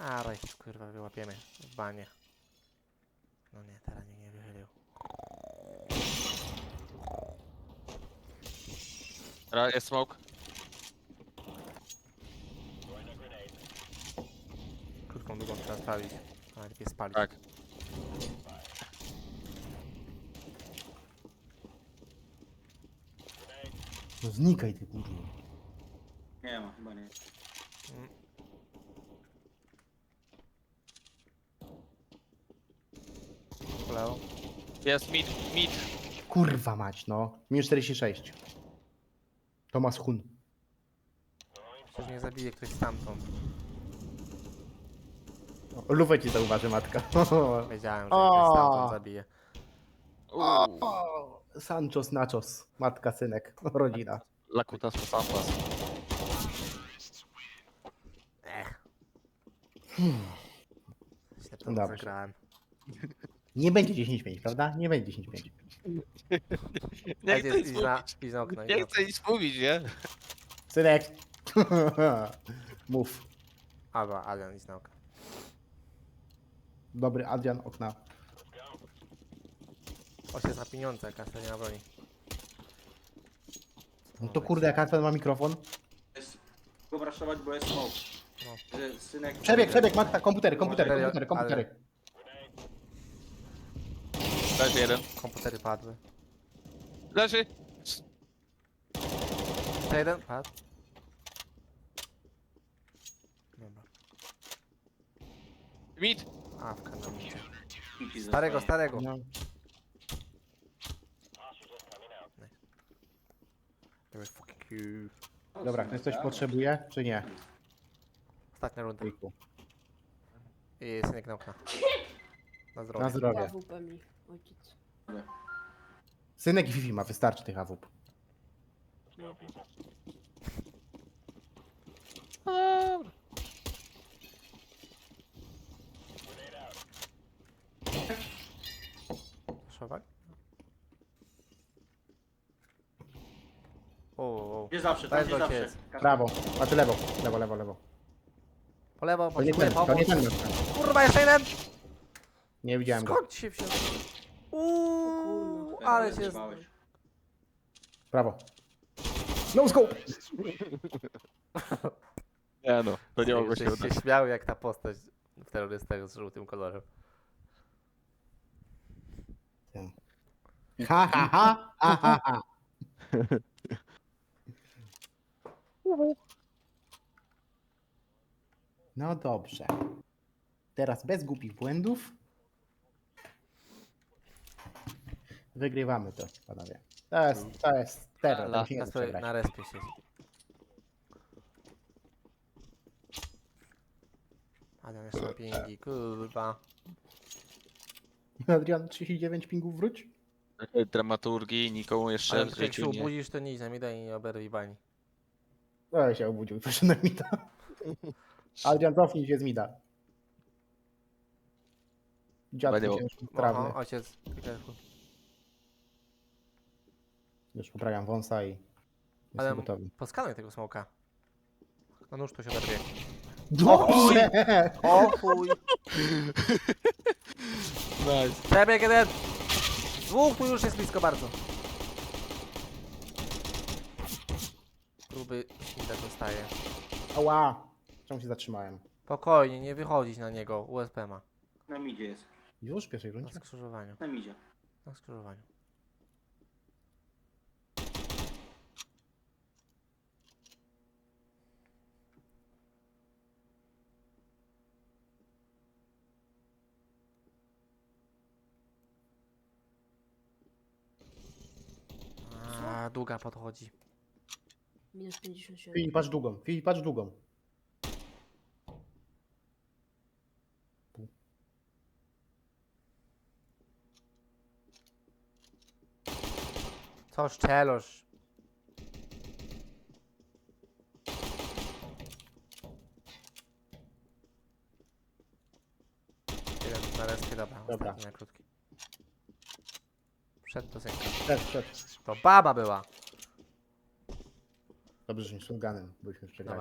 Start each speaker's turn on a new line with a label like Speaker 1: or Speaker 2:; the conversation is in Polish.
Speaker 1: A, rejs, kurwa, wyłapiemy w banie. No nie, teraz nie wychylił.
Speaker 2: Jest smoke.
Speaker 1: Krótką, długą trzeba spalić. A najlepiej spalić.
Speaker 2: Tak.
Speaker 3: No znikaj ty kurwa.
Speaker 4: Nie ma, chyba nie.
Speaker 1: Lewo.
Speaker 2: Jest mid.
Speaker 3: Kurwa mać no. Minus 46. Tomasz Hun.
Speaker 1: Przecież mnie zabije ktoś stamtąd.
Speaker 3: Lufę ci zauważy matka.
Speaker 1: Wiedziałem, że
Speaker 3: O!
Speaker 1: ktoś stamtąd zabije.
Speaker 3: O, Sanchos Nachos. Matka, synek. Rodzina.
Speaker 2: Lakutas po sampas.
Speaker 1: Źle to
Speaker 3: Dobrze.
Speaker 1: zagrałem.
Speaker 3: Nie będzie 10-5, prawda? Nie będzie 10-5.
Speaker 2: Nie chcę nic
Speaker 1: Idź
Speaker 2: mówić.
Speaker 1: na okno.
Speaker 2: Nie chcę nic mówić, nie?
Speaker 3: Synek. Mów.
Speaker 1: Albo Adrian, idź na okno.
Speaker 3: Dobry Adrian, okna.
Speaker 1: Osiedz za pieniądze, kasa nie ma broni.
Speaker 3: No to kurde, jak Adrian ma mikrofon.
Speaker 4: Jest go braszować, bo jest smoke.
Speaker 1: No.
Speaker 4: Że synek...
Speaker 3: Przebieg, matka, komputery.
Speaker 2: Leży jeden.
Speaker 1: Komputery padły.
Speaker 2: Leży.
Speaker 1: To jeden padł. Dobra.
Speaker 2: Mid.
Speaker 1: A, w kanamicie.
Speaker 4: Kiki
Speaker 1: Starego,
Speaker 4: zostaje.
Speaker 1: starego.
Speaker 3: No.
Speaker 1: Dobra, fuck you.
Speaker 3: Dobra, ktoś coś potrzebuje, czy nie?
Speaker 1: Ostatnia runda.
Speaker 3: Ojku.
Speaker 1: I synek na okna. Na zdrowie.
Speaker 3: Na zdrowie.
Speaker 5: AWP mi ojciec.
Speaker 3: Synek i Fifi ma, wystarczy tych AWP.
Speaker 1: Szowak? O.
Speaker 4: Gdzie zawsze,
Speaker 1: To
Speaker 4: tam
Speaker 1: jest
Speaker 4: gdzie zawsze.
Speaker 1: ojciec.
Speaker 3: Prawo, znaczy lewo. Lewo.
Speaker 1: Po lewo,
Speaker 3: To nie
Speaker 1: potrzebuję
Speaker 3: ten, to nie
Speaker 1: pomoc.
Speaker 3: ten.
Speaker 1: Kurwa, jeszcze jeden!
Speaker 3: Nie widziałem go.
Speaker 1: Skąd się wziął?
Speaker 5: kurwa.
Speaker 1: Ale się...
Speaker 4: Zjebałeś.
Speaker 3: Prawo. No scope!
Speaker 2: Nie no, to nie mogło się udać.
Speaker 1: się śmiał jak ta postać w terrorystach z żółtym kolorem.
Speaker 3: Ha. No dobrze. Teraz bez głupich błędów. Wygrywamy to, panowie. To jest terror, to się nie da
Speaker 1: Kasper
Speaker 3: przegrać.
Speaker 1: na respie siedzi. Adam jeszcze ma pingi, kurwa.
Speaker 3: Adrian, 39 pingów wróć?
Speaker 2: Dramaturgii, nikomu jeszcze
Speaker 1: Ale
Speaker 2: w
Speaker 1: jak się
Speaker 2: życiu nie.
Speaker 1: obudzisz, to nie idź na mida i nie oberwij bani.
Speaker 3: No się obudził, proszę na mida. Adrian, cofnij się z mida. Dziadku
Speaker 2: Będę-
Speaker 3: ciężko sprawny.
Speaker 1: Oho, ojciec. Piekarku.
Speaker 3: Już poprawiam wąsa i jestem
Speaker 1: Ale
Speaker 3: gotowy.
Speaker 1: poskanuj tego smoka. No nóż to się oberwie.
Speaker 3: Dobrze!
Speaker 1: O chuj!
Speaker 2: Nice.
Speaker 1: Przebieg jeden! Dwóch tu już jest blisko bardzo. Gruby tak dostaje.
Speaker 3: Ała! Czemu się zatrzymałem?
Speaker 1: Spokojnie, nie wychodzić na niego. USP ma.
Speaker 4: Na midzie jest.
Speaker 3: Już w pierwszej
Speaker 1: Na
Speaker 3: rundzie?
Speaker 1: skrzyżowaniu.
Speaker 4: Na midzie.
Speaker 1: Na skrzyżowaniu. A, długa podchodzi.
Speaker 5: Minus 57.
Speaker 3: Filip, patrz długą. Filip, patrz długą.
Speaker 1: Co szczelosz? Jeden na respie, dobra.
Speaker 3: Dobra.
Speaker 1: Ostatni na krótki. Przed to synka.
Speaker 3: Przed.
Speaker 1: To baba była.
Speaker 3: Dobrze, że nie shotgunem, byśmy przegrali.